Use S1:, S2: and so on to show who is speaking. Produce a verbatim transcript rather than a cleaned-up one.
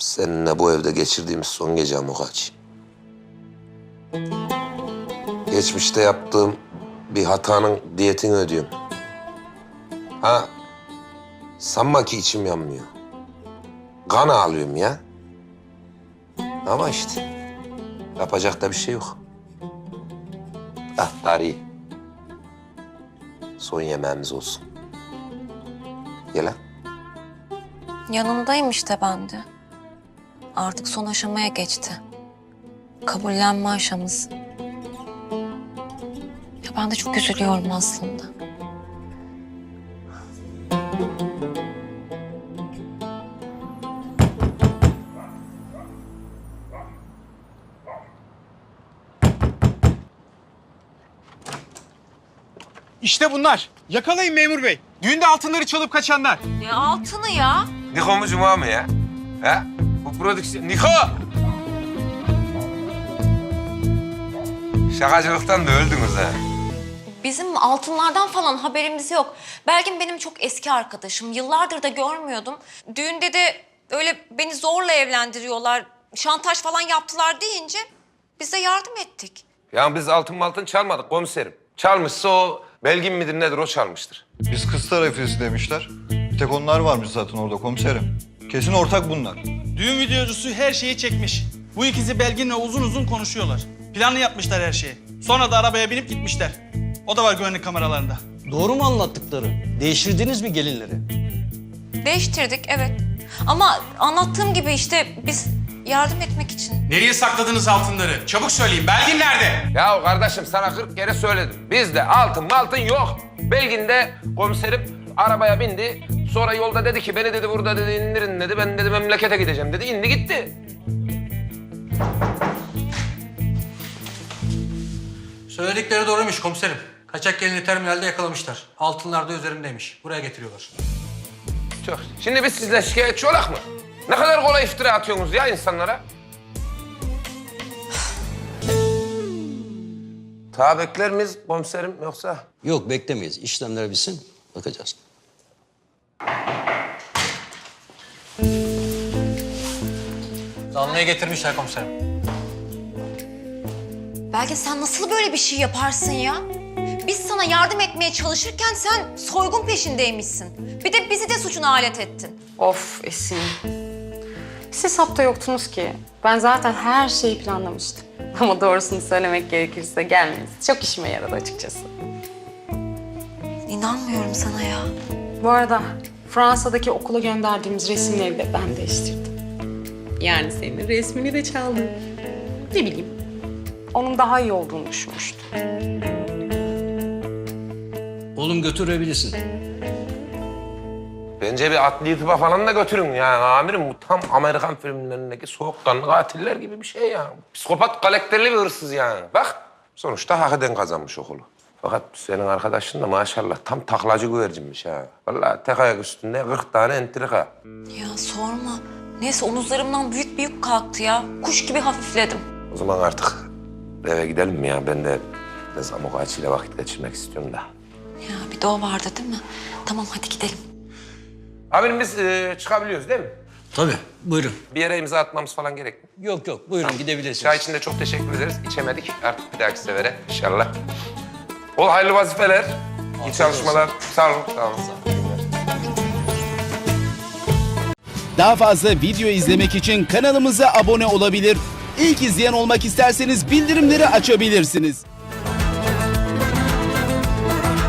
S1: Seninle bu evde geçirdiğimiz son gece Amokaç. Geçmişte yaptığım bir hatanın diyetini ödüyorum. Ha, sanma ki içim yanmıyor. Kan ağlıyorum ya. Ama işte yapacak da bir şey yok. Ah tarihi. Son yemeğimiz olsun. Gel lan.
S2: Yanındayım işte ben de. Artık son aşamaya geçti. Kabullenme aşaması. Ya ben de çok üzülüyorum aslında.
S3: İşte bunlar. Yakalayın memur bey. Düğünde altınları çalıp kaçanlar.
S2: Ne altını ya?
S1: Niko mu Cuma mı ya? Ha? Bu prodüksiyon... Niko! Şakacılıktan da öldünüz ha.
S2: Bizim altınlardan falan haberimiz yok. Belgin benim çok eski arkadaşım. Yıllardır da görmüyordum. Düğünde de öyle beni zorla evlendiriyorlar, şantaj falan yaptılar deyince biz de yardım ettik.
S1: Ya biz altın altın çalmadık komiserim. Çalmışsa o Belgin midir nedir o çalmıştır.
S4: Biz kız tarafıyız demişler. Bir tek onlar varmış zaten orada komiserim. Kesin ortak bunlar.
S3: Düğün videocusu her şeyi çekmiş. Bu ikisi Belgin'le uzun uzun konuşuyorlar. Planlı yapmışlar her şeyi. Sonra da arabaya binip gitmişler. O da var güvenlik kameralarında.
S5: Doğru mu anlattıkları? Değiştirdiniz mi gelinleri?
S2: Değiştirdik evet. Ama anlattığım gibi işte biz yardım etmek için.
S6: Nereye sakladınız altınları? Çabuk söyleyin. Belgin nerede?
S1: Ya kardeşim sana kırk kere söyledim. Bizde altın altın yok. Belgin de komiserim arabaya bindi. Sonra yolda dedi ki beni dedi burada dedi indirin dedi. Ben dedi memlekete gideceğim dedi. İndi gitti.
S6: Söyledikleri doğruymuş komiserim. Kaçak gelini terminalde yakalamışlar. Altınlar da üzerimdeymiş. Buraya getiriyorlar.
S1: Çok. Şimdi biz sizle şikayetçi olak mı? Ne kadar kolay iftira atıyorsunuz ya insanlara. Ta bekler miyiz komiserim yoksa?
S5: Yok beklemeyiz. İşlemler bitsin. Bakacağız.
S6: Zanlıya getirmişler komiserim.
S2: Belki sen nasıl böyle bir şey yaparsın ya? Biz sana yardım etmeye çalışırken sen soygun peşindeymişsin. Bir de bizi de suçuna alet ettin.
S7: Of Esin. Siz hapta yoktunuz ki. Ben zaten her şeyi planlamıştım. Ama doğrusunu söylemek gerekirse gelmeniz çok işime yaradı açıkçası.
S2: İnanmıyorum sana ya.
S7: Bu arada Fransa'daki okula gönderdiğimiz resimleri de ben değiştirdim. Yani senin resmini de çaldım. Ne bileyim. Onun daha iyi olduğunu düşünmüştüm.
S5: Oğlum götürebilirsin.
S1: Bence bir adli tıpa falan da götürün yani amirim. Bu tam Amerikan filmlerindeki soğukkanlı katiller gibi bir şey ya. Psikopat karakterli bir hırsız yani. Bak sonuçta hak eden kazanmış okulu. Fakat senin arkadaşın da maşallah tam taklacı güvercinmiş ha. Vallahi tek ayak üstünde kırk tane entrika.
S2: Ya sorma. Neyse omuzlarımdan büyük bir yük kalktı ya. Kuş gibi hafifledim.
S1: O zaman artık eve gidelim mi ya? Ben de biraz Amokaç ile vakit geçirmek istiyorum da.
S2: Ya bir de o vardı değil mi? Tamam hadi gidelim.
S1: Amirim biz e, çıkabiliyoruz değil mi?
S5: Tabii. Buyurun.
S1: Bir yere imza atmamız falan gerek mi?
S5: Yok yok. Buyurun gidebilirsiniz.
S1: Çay için de çok teşekkür ederiz. İçemedik. Artık bir dahaki sefere inşallah. Ol hayırlı vazifeler. İyi çalışmalar. Sağ olun. Sağ olun.
S8: Daha fazla video izlemek için kanalımıza abone olabilir. İlk izleyen olmak isterseniz bildirimleri açabilirsiniz.